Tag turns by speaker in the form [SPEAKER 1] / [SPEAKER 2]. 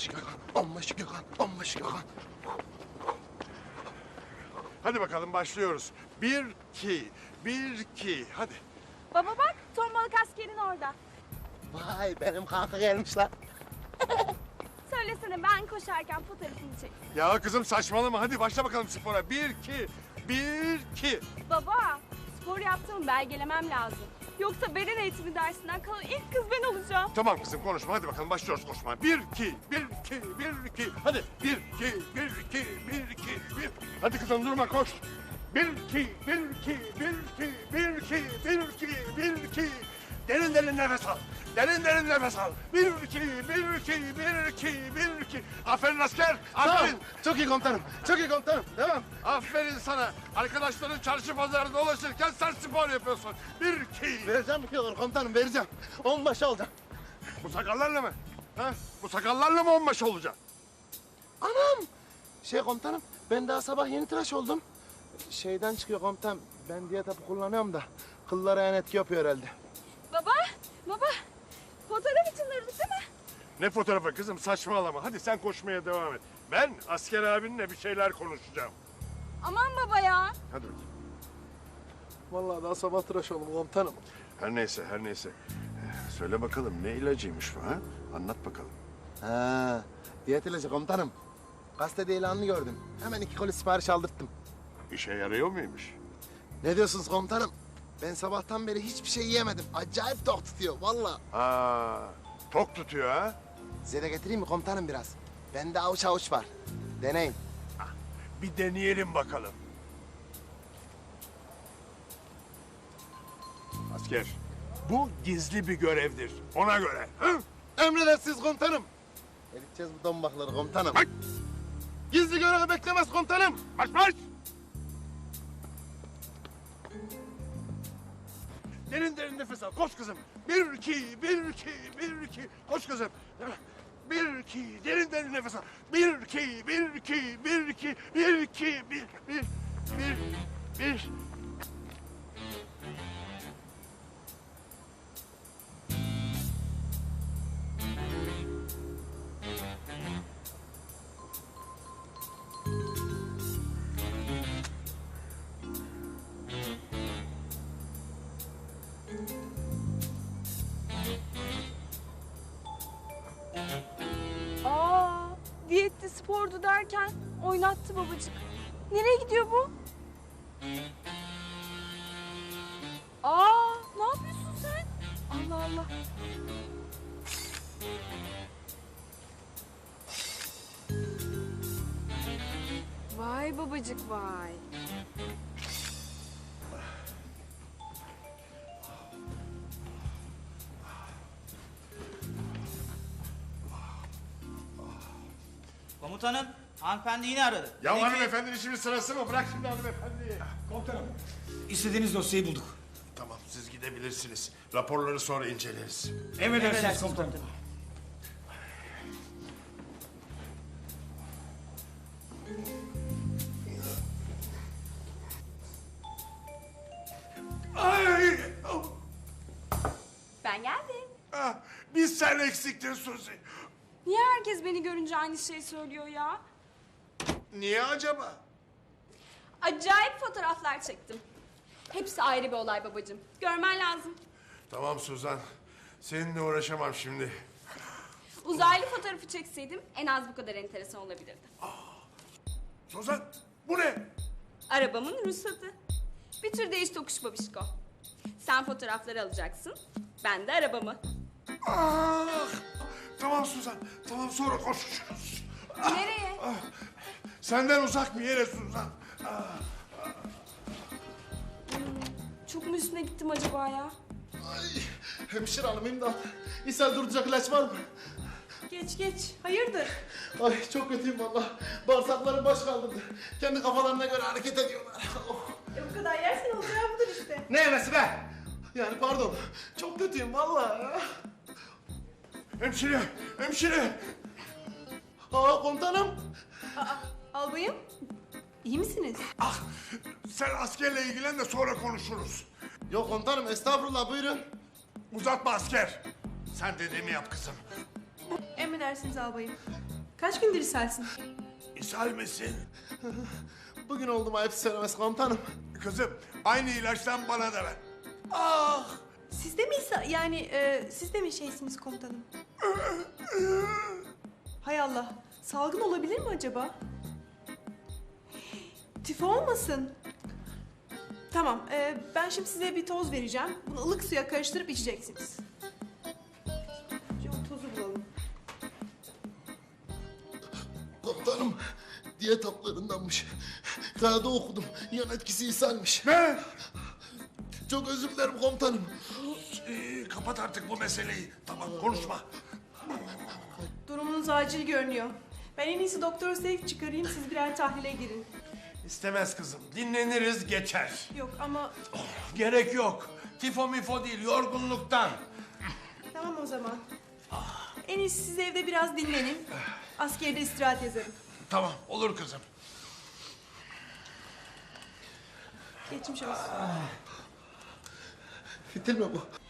[SPEAKER 1] Onbaşı Gökhan, onbaşı Gökhan, onbaşı Gökhan.
[SPEAKER 2] Hadi bakalım başlıyoruz. 1, 2, 1, 2. Hadi.
[SPEAKER 3] Baba bak, tombalık askerin orada.
[SPEAKER 1] Vay benim kanka gelmiş lan.
[SPEAKER 3] Söylesene ben koşarken fotoğrafını çek.
[SPEAKER 2] Ya kızım saçmalama. Hadi başla bakalım spora. 1, 2, 1, 2.
[SPEAKER 3] Baba, spor yaptığımı belgelemem lazım. Yoksa beden eğitimi dersinden kalan ilk kız ben olacağım.
[SPEAKER 2] Tamam kızım konuşma. Hadi bakalım başlıyoruz koşmaya. 1, 2, 1, 2, 1, 2. Hadi. 1, 2, 1, 2, 1, 2, 1. Hadi kızım durma koş. 1, 2, 1, 2, 1, 2, 1, 2, 1, 2, 1, 2. Derin derin nefes al. Derin derin nefes al. 1, 2, 1, 2, 1, 2, 1, 2. Aferin asker.
[SPEAKER 1] Tamam,
[SPEAKER 2] Aferin.
[SPEAKER 1] çok iyi komutanım, çok iyi komutanım. Devam.
[SPEAKER 2] Aferin sana. Arkadaşların çarşı pazarda dolaşırken sen spor yapıyorsun. 1, 2.
[SPEAKER 1] Vereceğim 2 olur komutanım, vereceğim. Onbaşı olacağım.
[SPEAKER 2] Bu sakallarla mı? Ha? Bu sakallarla mı onbaşı olacaksın?
[SPEAKER 1] Anam! Komutanım, ben daha sabah yeni tıraş oldum. Şeyden çıkıyor komutanım, ben diyet hapı kullanıyorum da kıllara en etki yapıyor herhalde.
[SPEAKER 3] Baba, fotoğraf için aradık değil mi?
[SPEAKER 2] Ne fotoğrafı kızım saçmalama. Hadi sen koşmaya devam et. Ben asker abinle bir şeyler konuşacağım.
[SPEAKER 3] Aman baba ya.
[SPEAKER 2] Hadi bakayım.
[SPEAKER 1] Vallahi daha sabah tıraş oldum komutanım.
[SPEAKER 2] Her neyse her neyse. Söyle bakalım ne ilacıymış bu ha? Anlat bakalım.
[SPEAKER 1] Ha, diyet ilacı komutanım. Gazetede ilanını gördüm. Hemen 2 koli sipariş aldırttım.
[SPEAKER 2] İşe yarıyor muymuş?
[SPEAKER 1] Ne diyorsunuz komutanım? Ben sabahtan beri hiçbir şey yiyemedim. Acayip tok tutuyor vallahi.
[SPEAKER 2] Aa, tok tutuyor ha?
[SPEAKER 1] Size de getireyim mi komutanım biraz? Bende avuç avuç var. Deneyin.
[SPEAKER 2] Bir deneyelim bakalım. Asker, bu gizli bir görevdir. Ona göre. Hı?
[SPEAKER 1] Emredersiniz komutanım. Eriteceğiz bu dombakları komutanım.
[SPEAKER 2] Ay!
[SPEAKER 1] Gizli görevi beklemez komutanım.
[SPEAKER 2] Marş marş! Derin derin nefes al. Koş kızım. 1, 2, 1, 2, 1, 2. Koş kızım. 1, 2, derin derin nefes al. 1, 2, 1, 2, 1, 2, 1, 2, 1, 1, 1, 1.
[SPEAKER 3] Aa, diyetti spordu derken oynattı babacık. Nereye gidiyor bu? Aa, ne yapıyorsun sen? Allah Allah. Vay babacık vay.
[SPEAKER 4] Komutanım, hanımefendi yine aradı.
[SPEAKER 2] Ya
[SPEAKER 4] Dedi ki,
[SPEAKER 2] hanımefendinin şimdi sırası mı? Bırak şimdi hanımefendiyi.
[SPEAKER 5] Komutanım, istediğiniz dosyayı bulduk.
[SPEAKER 2] Tamam siz gidebilirsiniz. Raporları sonra inceleriz.
[SPEAKER 5] Emredersiniz komutanım.
[SPEAKER 2] Ay!
[SPEAKER 3] Ben geldim.
[SPEAKER 2] Ah, biz sen eksiktin Suzi.
[SPEAKER 3] Niye herkes beni görünce aynı şeyi söylüyor ya?
[SPEAKER 2] Niye acaba?
[SPEAKER 3] Acayip fotoğraflar çektim. Hepsi ayrı bir olay babacığım. Görmen lazım.
[SPEAKER 2] Tamam Suzan. Seninle uğraşamam şimdi.
[SPEAKER 3] Uzaylı fotoğrafı çekseydim en az bu kadar enteresan olabilirdi.
[SPEAKER 2] Suzan bu ne?
[SPEAKER 3] Arabamın ruhsatı. Bir tür değiş tokuş babişko. Sen fotoğrafları alacaksın, ben de arabamı.
[SPEAKER 2] Ah! Tamam Suzan. Tamam sonra konuşuruz.
[SPEAKER 3] Nereye?
[SPEAKER 2] Senden uzak bir yere Suzan.
[SPEAKER 3] Çok mu üstüne gittim acaba ya?
[SPEAKER 1] Ay, hemşire hanım imdat. İshal durduracak ilaç var mı?
[SPEAKER 3] Geç geç. Hayırdır?
[SPEAKER 1] Ay çok kötüyüm vallahi. Bağırsaklarım baş kaldırdı. Kendi kafalarına göre hareket ediyorlar. Oh.
[SPEAKER 3] Bu kadar yersen olacağı budur işte.
[SPEAKER 1] Ne yemesi be? Yani pardon. Çok kötüyüm vallahi.
[SPEAKER 2] Hemşire, hemşire.
[SPEAKER 1] Aa komutanım.
[SPEAKER 3] Albayım, iyi misiniz?
[SPEAKER 2] Ah, sen askerle ilgilen de sonra konuşuruz.
[SPEAKER 1] Yok komutanım estağfurullah buyurun.
[SPEAKER 2] Uzatma asker. Sen dediğimi yap kızım.
[SPEAKER 3] Emredersiniz albayım.
[SPEAKER 6] Kaç gündür ishalsin?
[SPEAKER 2] İshal misin?
[SPEAKER 1] Bugün oldum ayıp söylemesi komutanım.
[SPEAKER 2] Kızım aynı ilaçtan bana da ver.
[SPEAKER 6] Siz de mi siz de mi şeysiniz komutanım? Hay Allah. Salgın olabilir mi acaba? Tifo olmasın. Tamam, ben şimdi size bir toz vereceğim. Bunu ılık suya karıştırıp içeceksiniz. Önce o tozu bulalım.
[SPEAKER 1] Komutanım diyet haplarındanmış. Kağıda okudum. Yan etkisi ishalmiş.
[SPEAKER 2] Ne?
[SPEAKER 1] Çok özür dilerim komutanım.
[SPEAKER 2] Kapat artık bu meseleyi. Tamam konuşma.
[SPEAKER 6] Durumunuz acil görünüyor. Ben en iyisi doktor sevk çıkarayım, siz birer tahlile girin.
[SPEAKER 2] İstemez kızım. Dinleniriz geçer.
[SPEAKER 6] Yok ama
[SPEAKER 2] Gerek yok. Tifo mifo değil yorgunluktan.
[SPEAKER 6] tamam o zaman. En iyisi siz evde biraz dinlenin. Askerde istirahat yazarım.
[SPEAKER 2] Tamam olur kızım.
[SPEAKER 6] Geçmiş olsun.
[SPEAKER 1] Fitil mi bu?